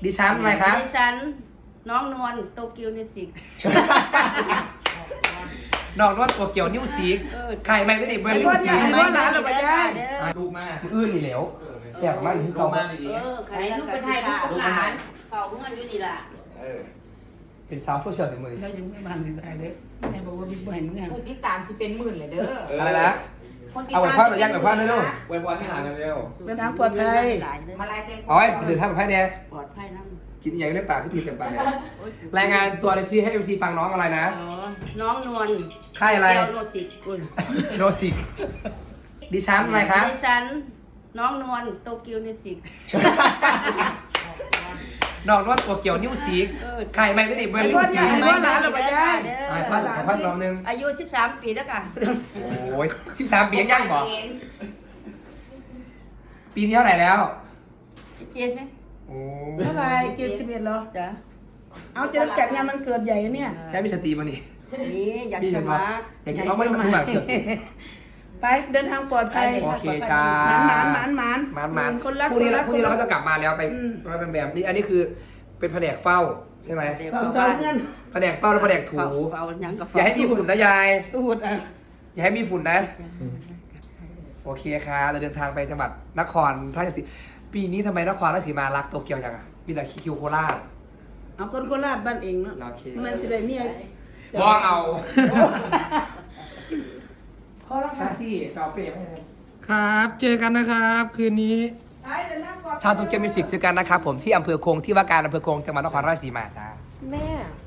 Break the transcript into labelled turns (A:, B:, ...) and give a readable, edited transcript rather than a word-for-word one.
A: ดิฉันอะไรคะ
B: ดิฉันน้องนวลโตเกียวมิวสิก
A: ดอกนวดตัวเกี่ยวนิ้วสีไข่แมงได้ดิบเบอร์นิ้วสี
C: ลูกมาก
A: อื้อนี่เหลวแซ่บมากที่
C: ลู
A: เก่าก
C: มากดี
B: ใครลูกไปไทยลูกหลานเฝ้าเงินอยู่นี่ล่ะ
A: เป็นสาวโซเชียลถึงมือ
D: เรายังไม่มาถึงไหนเลยแม่บอกว่าบิ๊กไบค์มึงไง
E: ผู้ติดตามสิเป็นหมื่นเลยเด้อ
A: อะไรนะเอาไว้พ่อหรือยังหรือพ่อเลยลูก
C: ไว้พอให้หลานเร็ว
D: เดินทางปลอดภัย
E: มาลายเต็ม
A: เอาไว้เดินทางไปแพ้เนี่ย
B: ปลอดภัยนั่ง
A: กินอย่างได้ปากก็ตีเต็มปากรายงานตัวเลยซิให้เอฟซีฟังน้องอะไรนะ
B: น้องนวล
A: ค่ายอะไร
B: เกียวโนสิกคุณ
A: โนสิกดิฉันอะไรคะ
B: ดิฉันน้องนวลโตเกียวมิวสิก
A: ดอกนวดตัวเกี่ยวนิ้วสีไข่แมงได้ดิบเบอร์นิ้วสี พันรอบนึง
B: อายุ13 ปีแล้วค่ะ
A: โอ้ย13 ปียังบ่ปีนี้เท่าไหร่แล้ว
B: เจ็ดไหม
A: โอ้
D: เท่าไร71เหรอ
B: จ้ะ
D: เอาจะจัดงานมันเกิดใหญ่เนี่ย
A: แค่มีสติมานี่
B: นี่อยาก
A: พี่
B: จะ
A: เห็น
B: มา
A: ว่าอยากจะเอาไม่มาแบบเกิด
D: ไปเดินทางปลอดภัย
A: โอเคจ้า
D: หมาน
A: มัน
D: คนรัก
A: พรุ่งนี้
D: คนรัก
A: เราก็จะกลับมาแล้วไปมาเป็นแบบนี้อันนี้คือเป็นแผนกเฝ้าใช่ไหม
D: เฝ้าเสาเงิน
A: แผนกเฝ้าแล้วแผนกถู
B: เฝ้ายังกับ
A: อย่าให้มีฝุ่นนะยาย
D: ตูดอ่ะ
A: อย่าให้มีฝุ่นนะ โอเคค่ะเราเดินทางไปจังหวัดนครราชสีมาปีนี้ทำไมนครราชสีมารักโตเกียวจังอ่ะมีแต่คิวโคราช
D: เอาคนโคราชบ้านเองเนาะ
A: โอเค
D: มันสิได้เมีย
A: บอกเอา
D: พอแล้ว
A: ซา
D: ค่ะ
A: ตี้เราเปรี้ยว
F: ครับ เจอกันนะครับ คืนนี้
D: ไปเดินทางปลอดภัย
A: ชาวโตเกียวมิวสิกเจอกันนะครับผมที่อำเภอคงที่ว่าการอำเภอคงจังหวัดนครราชสีมาจ้า
E: แม่